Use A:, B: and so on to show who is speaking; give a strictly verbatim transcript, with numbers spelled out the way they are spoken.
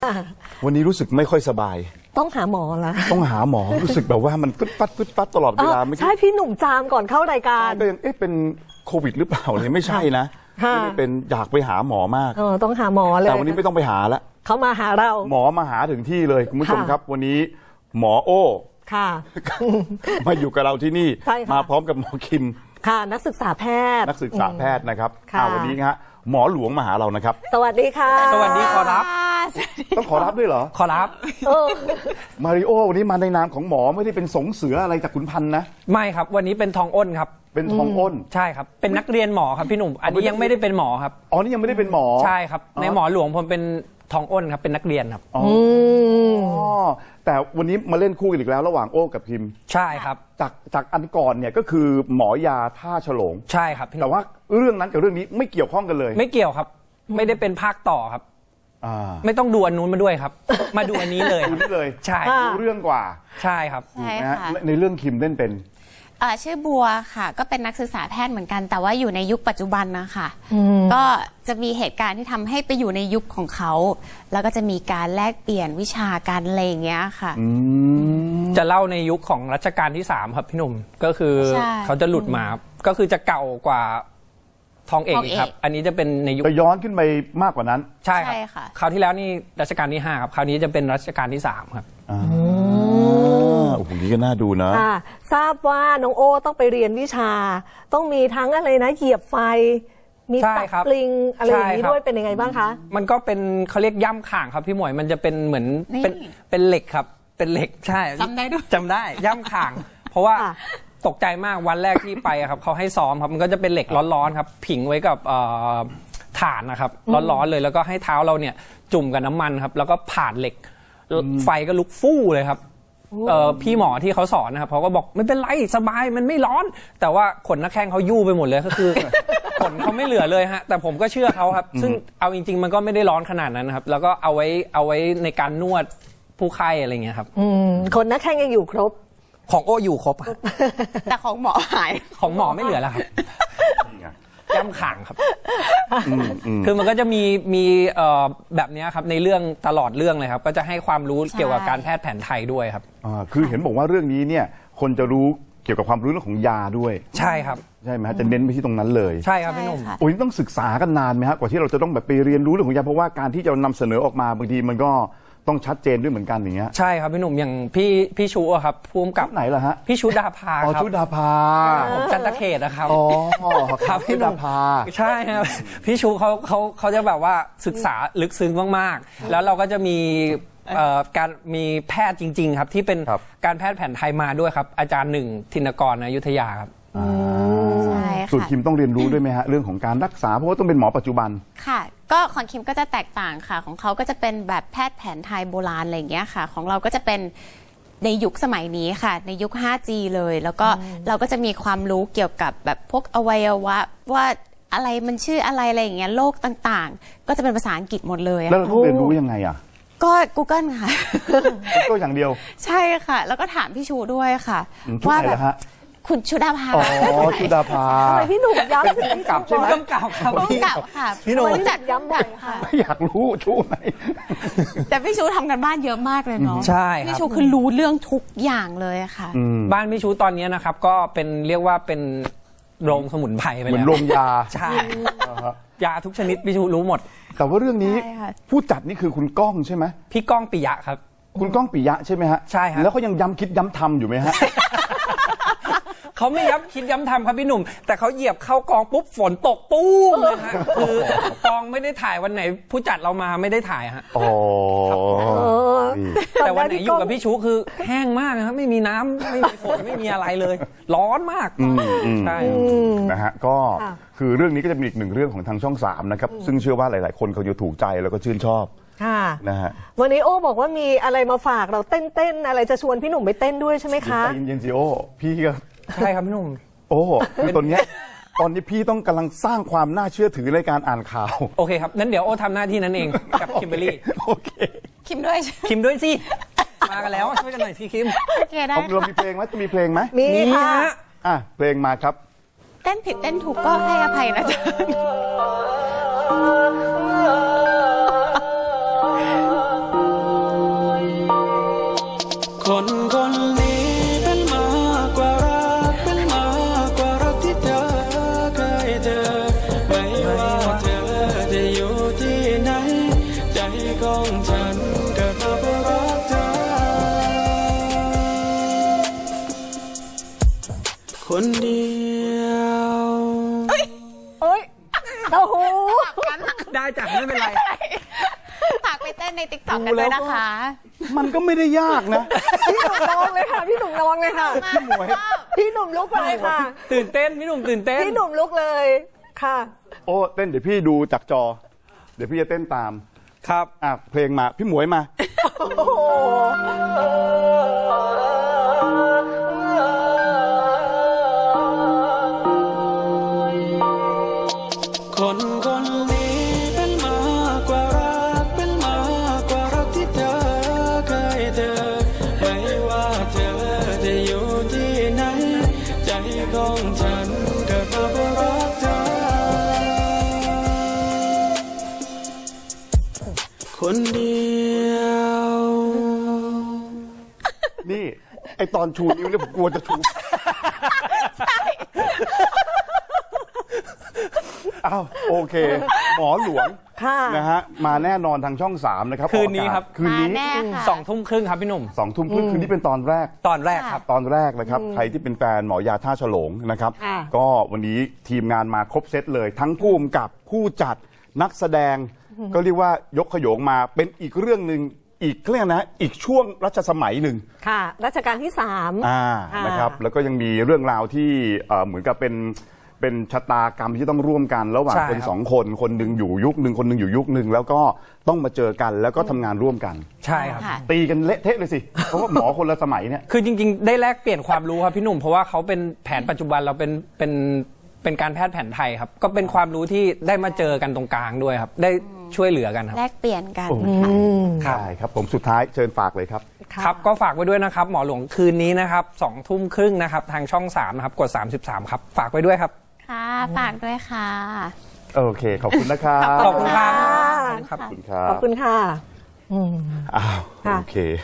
A: วันนี้รู้สึกไม่ค่อยสบาย
B: ต้องหาหมอละ
A: ต้องหาหมอรู้สึกแบบว่ามันฟึดฟัดฟึดฟัดตลอดเวลา
B: ใช่พี่หนุ่มจามก่อนเข้ารายการ
A: ก็ยังเอ๊ะเป็นโควิดหรือเปล่าเนี่ยไม่ใช่นะไม่ได้เป็นอยากไปหาหมอมาก
B: เออต้องหาหมอเลย
A: แต่วันนี้ไม่ต้องไปหาละ
B: เขามาหาเรา
A: หมอมาหาถึงที่เลยคุณผู้ชมครับวันนี้หมอโอ้
B: ค่ะ
A: มาอยู่กับเราที่นี่มาพร้อมกับหมอคิม
B: ค่ะนักศึกษาแพทย์
A: นักศึกษาแพทย์นะครับวันนี้ฮะหมอหลวงมาหาเรานะครับ
B: สวัสดีค่ะ
C: สวัสดีขอรับ
A: ต้องขอรับด้วยเหรอ
C: ขอรับ
A: มาริโอวันนี้มาในนามของหมอไม่ได้เป็นสงเสืออะไรจากขุนพันธ์นะ
C: ไม่ครับวันนี้เป็นทองอ้นครับ
A: เป็นทองอ้น
C: ใช่ครับเป็นนักเรียนหมอครับพี่หนุ่มอันนี้ยังไม่ได้เป็นหมอครับ
A: อ๋อนี่ยังไม่ได้เป็นหมอ
C: ใช่ครับในหมอหลวงผมเป็นทองอ้นครับเป็นนักเรียนครับ
A: อ๋อแต่วันนี้มาเล่นคู่กันอีกแล้วระหว่างโอ้กับพิม
C: ใช่ครับ
A: จากจากอันก่อนเนี่ยก็คือหมอยาท่าฉลง
C: ใช่ครับ
A: แต่ว่าเรื่องนั้นกับเรื่องนี้ไม่เกี่ยวข้องกันเลย
C: ไม่เกี่ยวครับไม่ได้เป็นภาคต่อครับไม่ต้องดูอันนู้นมาด้วยครับมาดูอันนี้เลย
A: ดูนี่เลย
C: ใช่
A: ดูเรื่องกว่า
C: ใช่ครับ
D: ใช่ค่ะ
A: ในเรื่องคิมเล่นเป็น
D: ชื่อบัวค่ะก็เป็นนักศึกษาแพทย์เหมือนกันแต่ว่าอยู่ในยุคปัจจุบันนะคะก็จะมีเหตุการณ์ที่ทำให้ไปอยู่ในยุคของเขาแล้วก็จะมีการแลกเปลี่ยนวิชาการอะไรอย่างเงี้ยค่ะ
C: จะเล่าในยุคของรัชกาลที่สามครับพี่หนุ่มก็คือเขาจะหลุดมาก็คือจะเก่ากว่าทองเอกครับอันนี้จะเป็นในยุค
A: จะย้อนขึ้นไปมากกว่านั้น
C: ใช่ครับคราวที่แล้วนี่รัชกาลที่ห้าครับคราวนี้จะเป็นรัชกาลที่สามครับ
A: โอ้โหนี่ก็น่าดูนะ
B: ทราบว่าน้องโอต้องไปเรียนวิชาต้องมีทั้งอะไรนะเหยียบไฟมีตักปลิงอะไรอย่างนี้ด้วยเป็นยังไงบ้างคะ
C: มันก็เป็นเขาเรียกย่ำข่างครับพี่หมวยมันจะเป็นเหมือนเป็นเป็นเหล็กครับเป็นเหล็กใช่
D: จำได้ด้วย
C: จำได้ย่ำข่างเพราะว่าตกใจมากวันแรกที่ไปครับเขาให้ซ้อมครับมันก็จะเป็นเหล็กร้อนๆครับผิงไว้กับถ่านนะครับร้อนๆเลยแล้วก็ให้เท้าเราเนี่ยจุ่มกับน้ำมันครับแล้วก็ผ่านเหล็กไฟก็ลุกฟู่เลยครับพี่หมอที่เขาสอนนะครับเขาก็บอกไม่เป็นไรสบายมันไม่ร้อนแต่ว่าขนหน้าแข้งเขายู่ไปหมดเลยก็คือขนเขาไม่เหลือเลยฮะแต่ผมก็เชื่อเขาครับซึ่งเอาจริงๆมันก็ไม่ได้ร้อนขนาดนั้นนะครับแล้วก็เอาไว้เอาไว้ในการนวดผู้ไข้อะไรเงี้ยครับ
B: ขนหน้าแข้งยังอยู่ครบ
C: ของโออยู่ครบ
D: แต่ของหมอหาย
C: ของหมอไม่เหลือแล้วครับย่ำข่างครับคือมันก็จะมีมีแบบนี้ครับในเรื่องตลอดเรื่องเลยครับก็จะให้ความรู้เกี่ยวกับการแพทย์แผนไทยด้วยครับ
A: คือเห็นบอกว่าเรื่องนี้เนี่ยคนจะรู้เกี่ยวกับความรู้เรื่องของยาด้วย
C: ใช่ครับ
A: ใช่ไหมฮะจะเน้นไปที่ตรงนั้นเลย
C: ใช่ครับพี่หนุ่ม
A: โอ้ยต้องศึกษากันนานไหมฮะกว่าที่เราจะต้องแบบไปเรียนรู้เรื่องของยาเพราะว่าการที่จะนำเสนอออกมาบางทีมันก็ต้องชัดเจนด้วยเหมือนกันอย่างเงี้ย
C: ใช่ครับพี่หนุ่มอย่างพี่พี่ชูอะครับภูมิกับ
A: ไหนล่ะฮะ
C: พี่ชูดาภา
A: ครับชูดาภา
C: จันทเขตนะครับ
A: อ๋อครับพี่ดาภา
C: ใช่ครับพี่ชูเขาเขาเขาจะแบบว่าศึกษาลึกซึ้งมากๆแล้วเราก็จะมีการมีแพทย์จริงๆครับที่เป็นการแพทย์แผนไทยมาด้วยครับอาจารย์หนึ่งธินกรอยุธยาครับ
A: ส่วนคิมต้องเรียนรู้ด้วยไหมฮะเรื่องของการรักษาเพราะว่าต้องเป็นหมอปัจจุบัน
D: ค่ะก็ของคิมก็จะแตกต่างค่ะของเขาก็จะเป็นแบบแพทย์แผนไทยโบราณอะไรอย่างเงี้ยค่ะของเราก็จะเป็นในยุคสมัยนี้ค่ะในยุค ไฟว์จี เลยแล้วก็เราก็จะมีความรู้เกี่ยวกับแบบพวกอวัยวะว่าอะไรมันชื่ออะไรอะไรอย่างเงี้ยโรคต่างๆก็จะเป็นภาษาอังกฤษหมดเลย
A: แล้วเราเรียนรู้ยังไงอ่ะ
D: ก็ Google ค่ะ
A: ก็อย่างเดียว
D: ใช่ค่ะแล้วก็ถามพี่ชูด้วยค่ะ
A: ว่าแบบ
D: คุณชุดาภา
A: อ๋อชุดาภา
B: ทำไมพี่หนุ่มย้ำถึง
A: พี่กลับใช่ไหม
C: กำกับครับ
D: พี่กลับค่ะ
C: พี่หนุ่ม
D: จัดย้ำบ่อยค่ะ
A: ไม่อยากรู้ชูไหน
D: แต่พี่ชูทำกันบ้านเยอะมากเลยเนาะ
C: ใช่
D: พี่ชูคือรู้เรื่องทุกอย่างเลยค่ะ
C: บ้านพี่ชูตอนนี้นะครับก็เป็นเรียกว่าเป็นโรงสมุนไพรไปแล้ว
A: เหมือนโรงยา
C: ใช่ยาทุกชนิดพี่ชูรู้หมด
A: แต่ว่าเรื่องนี้ผู้จัดนี่คือคุณก้องใช่ไหม
C: พี่ก้องปิยะครับ
A: คุณก้องปิยะใช่ไหมฮะ
C: ใช่ครับ
A: แล้วเขายังย้ำคิดย้ำทำอยู่ไหมฮะ
C: เขาไม่ย้ำคิดย้ำทำครับพี่หนุ่มแต่เขาเหยียบเข้ากองปุ๊บฝนตกปุ้มเลยฮะคือกองไม่ได้ถ่ายวันไหนผู้จัดเรามาไม่ได้ถ่ายฮะ
A: อ๋อ
C: แต่วันไหนอยู่กับพี่ชูคือแห้งมากนะครับไม่มีน้ำไม่มีฝนไม่มีอะไรเลยร้อนมาก
A: ใช่นะฮะก็คือเรื่องนี้ก็จะเป็นอีกหนึ่งเรื่องของทางช่องสามนะครับซึ่งเชื่อว่าหลายๆคนเขาจะถูกใจแล้วก็ชื่นชอบ
B: ค่ะ
A: นะฮะ
B: วันนี้โอ้บอกว่ามีอะไรมาฝากเราเต้นเต้นอะไรจะชวนพี่หนุ่มไปเต้นด้วยใช่ไหมคะ
A: เย็นๆสิโอ้พี่ก็
C: ใช่ครับพี่หนุ่ม
A: โอ้คือตอนนี้ตอนนี้พี่ต้องกำลังสร้างความน่าเชื่อถือในการอ่านข่าว
C: โอเคครับนั้นเดี๋ยวโอ้ทำหน้าที่นั้นเองกับคิมเบอร์รี่
A: โอเค
D: คิมด้วย
C: คิมด้วยสิมากันแล้วช่วยกันหน่อยพี่คิม
D: โอเคได้
A: ค่ะเรามีเพลงไหมจะมีเพลงไหม
B: มีค่ะ
A: อ่ะเพลงมาครับ
D: เต้นผิดเต้นถูกก็ให้อภัยนะจ๊ะ
E: คนคนนี้เป็นมากกว่ารักเป็นมากกว่ารักที่เธอเคยเจอไม่ว่าเธอจะอยู่ที่ไหนใจของฉันเกิดมาเพื่อรักเธอคนเดียว
B: เอ้ยโอ้โห
C: ได้จ้ะไม่เป็นไร
D: ฝากไปเต้นในติ๊กต็อกกันด้วยนะคะ
A: มันก็ไม่ได้ยากนะ
B: พี่หนุ่มลองเลยค่ะพี่หนุ่มลองเลยค่ะ
A: พี่หมวย
B: พี่หนุ่มลุกเลยค่ะ
C: ตื่นเต้นพี่หนุ่มตื่นเต้น
B: พี่หนุ่มลุกเลยค่ะ
A: โอ้เต้นเดี๋ยวพี่ดูจากจอ เดี๋ยวพี่จะเต้นตาม
C: ครับ
A: อ่ะเพลงมาพี่หมวยมา
B: โอ้โห
E: คนคนนี้เป็นมากกว่ารักเป็นมากกว่ารักที่เธอเคยเจอไม่ว่าเธอจะอยู่ที่ไหนใจของฉันเกิดมาเพื่อรักเธอคนเดียว
A: นี่ ไอตอนชูนิ้วเนี่ยผมกลัวจะชูอ้าวโอเค หมอหลวง
B: ค่ะ
A: นะฮะมาแน่นอนทางช่องสามนะครับ
C: คืนนี้ครับ
A: คืนนี้
D: มาแน่ค่ะ
C: สองทุ่มครึ่งครับพี่หนุ่ม
A: สองทุ่มครึ่งคืนนี้เป็นตอนแรก
C: ตอนแรกครับ
A: ตอนแรกนะครับใครที่เป็นแฟนหมอยาท่าฉลงนะครับ
B: ค่ะ
A: ก็วันนี้ทีมงานมาครบเซตเลย ทั้งผู้กำกับผู้จัดนักแสดง ก็เรียกว่ายกขโยงมาเป็นอีกเรื่องหนึ่งอีกเรื่องนะอีกช่วงรัชสมัยหนึ่ง
B: ค่ะรัชกาลที่สาม
A: อ่า
B: ค่ะ
A: นะครับแล้วก็ยังมีเรื่องราวที่เอ่อเหมือนกับเป็นเป็นชะตากรรมที่ต้องร่วมกัน ระหว่าง
C: ใช่
A: คน
C: ครับ
A: สองคนคนหนึ่งอยู่ยุคหนึ่งคนหนึ่งอยู่ยุคหนึ่งแล้วก็ต้องมาเจอกันแล้วก็ทำงานร่วมกัน
C: ใช่ครับ
D: ค่ะ
A: ตีกันเละเทะเลยสิ เพราะว่าหมอคนละสมัยเนี่ย
C: คือจริงๆ ได้แลกเปลี่ยนความรู้ครับพี่หนุ่มเพราะว่าเขาเป็นแผนปัจจุบันเราเป็นเป็นเป็นการแพทย์แผนไทยครับ ก็เป็นความรู้ที่ได้มาเจอกันตรงกลางด้วยครับ ได้ช่วยเหลือกันครับ
D: แลกเปลี่ยนกัน
A: โอ้
D: ค่ะ
A: ใช่ครับผมสุดท้ายเชิญฝากเลยครับ
B: ค่ะ
C: ครับก็ฝากไว้ด้วยนะครับ หมอหลวงคืนนี้นะครับสองทุ่มครึ่งนะครับทางช่องสามนะครับกดสามสิบสามครับฝากไว้ด้วยครับ
D: ค่ะ ฝากด้วยค่ะ
A: โอเค ขอบคุณนะครับ
C: ขอบคุณครับ
A: ขอบคุณครับ
B: ขอบคุณค่ะ อืม
A: อ้าว
B: ค่ะ
A: โอเค